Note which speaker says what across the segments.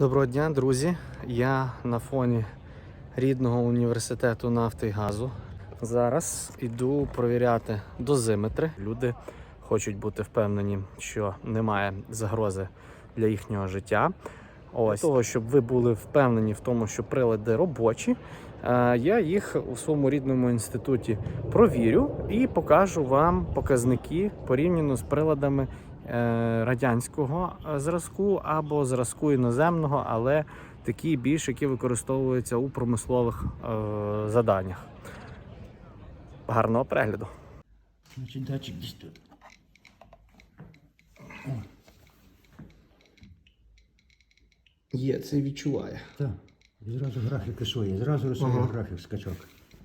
Speaker 1: Доброго дня, друзі! Я на фоні рідного університету нафти і газу. Зараз іду провіряти дозиметри. Люди хочуть бути впевнені, що немає загрози для їхнього життя. Для того, щоб ви були впевнені в тому, що прилади робочі, я їх у своєму рідному інституті провірю і покажу вам показники порівняно з приладами радянського зразку або зразку іноземного, але такі більш, які використовуються у промислових заданнях. Гарного перегляду.
Speaker 2: Значить, датчик десь тут.
Speaker 1: Є, це відчуває.
Speaker 2: Так, і зразу графіки свої, зразу рисує графік скачок.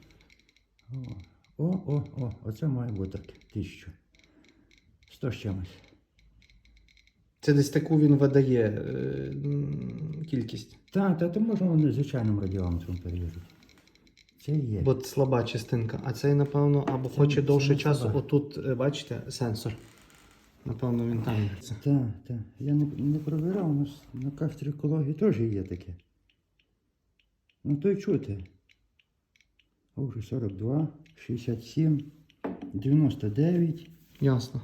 Speaker 2: Оце має бути 1000. 100 з чимось.
Speaker 1: Це десь таку він видає кількість.
Speaker 2: Так, то можна вони звичайним радіометром перевірити. Це є.
Speaker 1: Бо слаба частинка, а цей, напевно, або хоче довше часу.
Speaker 2: слаба.
Speaker 1: Отут, бачите, сенсор. Напевно, він там.
Speaker 2: Так. Я не провіряв, у нас на кафедрі екології теж є таке. Ну то й чути. Уже 42, 67, 99.
Speaker 1: Ясно.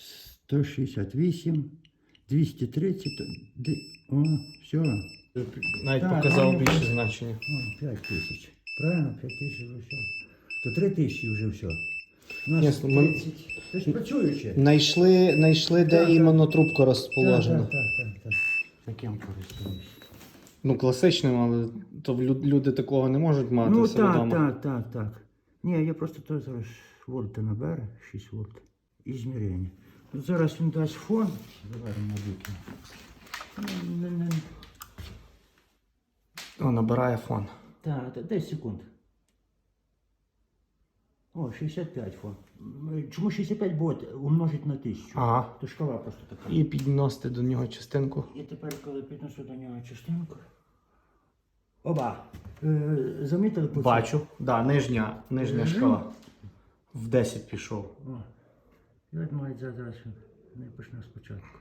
Speaker 2: 168, 230, о, все.
Speaker 1: Навіть
Speaker 2: Так,
Speaker 1: показав
Speaker 2: ну,
Speaker 1: більше значення.
Speaker 2: О, 5000. Правильно, 5000 вже все. То 3000 вже все. У нас
Speaker 1: Ясно, ми-
Speaker 2: 30. Це ж працююче.
Speaker 1: Найшли, де
Speaker 2: Так,
Speaker 1: іменно трубка розположена.
Speaker 2: Так. Таким користуюсь.
Speaker 1: Ну, класичним, але то люди такого не можуть мати
Speaker 2: Ну
Speaker 1: в себе вдома.
Speaker 2: так. Ні, я просто то зараз вольти набере, 6 вольт. І зміряння. От зараз він дасть фон. Заваримо на віки.
Speaker 1: О, набирає фон.
Speaker 2: Так, 10 секунд. О, 65 фон. Чому 65 буде умножить на 1000?
Speaker 1: Ага.
Speaker 2: То шкала просто така.
Speaker 1: І підносити до нього частинку.
Speaker 2: І тепер, коли піднесу до нього частинку. Оба. Замітили по
Speaker 1: Бачу. Да, нижня шкала. В 10 пішов.
Speaker 2: О. І от мають зараз не почне спочатку.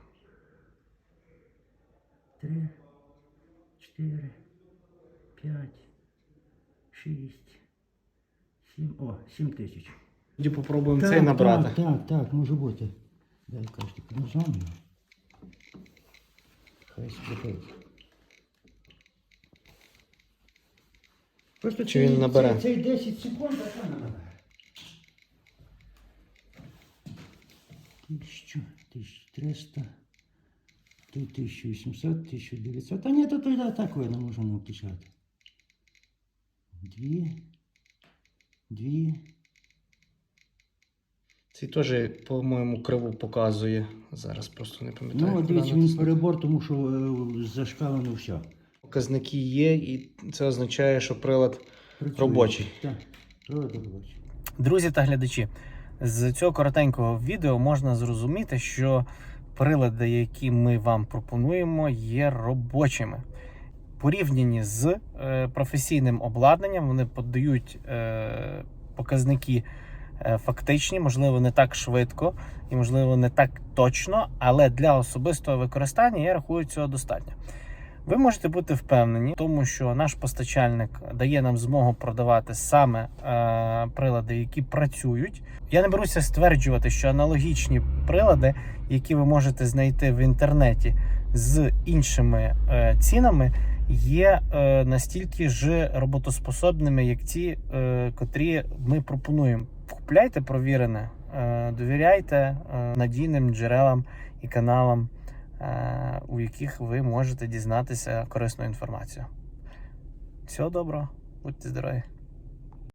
Speaker 2: 3, 4, 5, 6, 7. О, 7000.
Speaker 1: Тоді попробуємо цей набрати.
Speaker 2: Так, може бути. Дай кажете, названня. Хай спитають. Просто
Speaker 1: Чи він набере?
Speaker 2: Цей 10 секунд, а що не набере? 1000, 1300, 1800, 1900. А ні, то тоді так не можемо включати. 2.
Speaker 1: Цей теж, по-моєму, криву показує. Зараз просто не пам'ятаю.
Speaker 2: Ну,
Speaker 1: куди
Speaker 2: дивіться, він
Speaker 1: натиснути.
Speaker 2: перебор, тому що зашкалено все.
Speaker 1: Показники є, і це означає, що прилад робочий.
Speaker 2: Так, прилад робочий.
Speaker 1: Друзі та глядачі, з цього коротенького відео можна зрозуміти, що прилади, які ми вам пропонуємо, є робочими. Порівняні з професійним обладнанням, вони подають показники фактичні, можливо, не так швидко і, можливо, не так точно, але для особистого використання, я рахую, цього достатньо. Ви можете бути впевнені в тому, що наш постачальник дає нам змогу продавати саме прилади, які працюють. Я не беруся стверджувати, що аналогічні прилади, які ви можете знайти в інтернеті з іншими цінами, є настільки ж роботоспособними, як ті, котрі ми пропонуємо. Купляйте провірене, довіряйте надійним джерелам і каналам, у яких ви можете дізнатися корисну інформацію. Всього доброго, будьте здорові!